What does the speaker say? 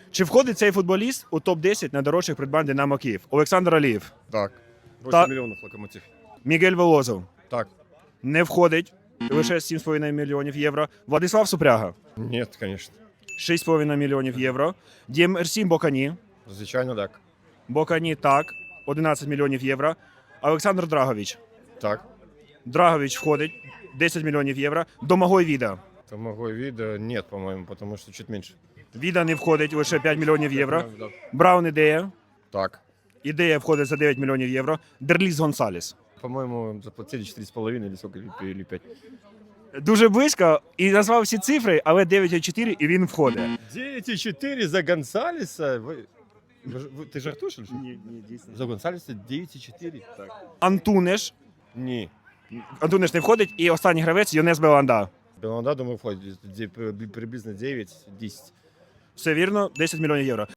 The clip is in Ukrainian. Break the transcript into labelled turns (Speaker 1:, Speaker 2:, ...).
Speaker 1: Чи входить цей футболіст у топ-10 найдорожчих придбань Динамо Київ? Олександр Алієв,
Speaker 2: Так. 8
Speaker 1: Так.
Speaker 2: мільйонів локомотив.
Speaker 1: Мігель Волозов.
Speaker 2: Так.
Speaker 1: Не входить. Лише 7,5 мільйонів євро. Владислав Супряга.
Speaker 2: Нет, конечно.
Speaker 1: 6,5 мільйонів євро. Дємерсі Бокані.
Speaker 2: Звичайно, так.
Speaker 1: Бокані так. 11 мільйонів євро. Олександр Драгович.
Speaker 2: Так.
Speaker 1: Драгович входить. 10 мільйонів євро. Домагой Віда.
Speaker 2: Тамагой вида нет, по-моему, потому что чуть меньше.
Speaker 1: Віда не входить, лише 5 мільйонів євро.
Speaker 2: Да.
Speaker 1: Браун Ідея.
Speaker 2: Так.
Speaker 1: Ідея входить за 9 мільйонів євро. Дерліс Гонсалес.
Speaker 2: По-моему, заплатили 4,5 или сколько, или 5.
Speaker 1: Дуже близько і назвав всі цифри, але 9,4 і він входить.
Speaker 2: 9,4 за Гонсалеса? Ты жартуешь или что?
Speaker 1: Ні, дійсно.
Speaker 2: За Гонсалеса 9,4? Так.
Speaker 1: Антунеш.
Speaker 2: Ні.
Speaker 1: Антунеш не входить. І останній гравець Йонес Беланда.
Speaker 2: Беланда, думаю, входит. Приблизно 9-10.
Speaker 1: Все вірно, 10 мільйонів євро.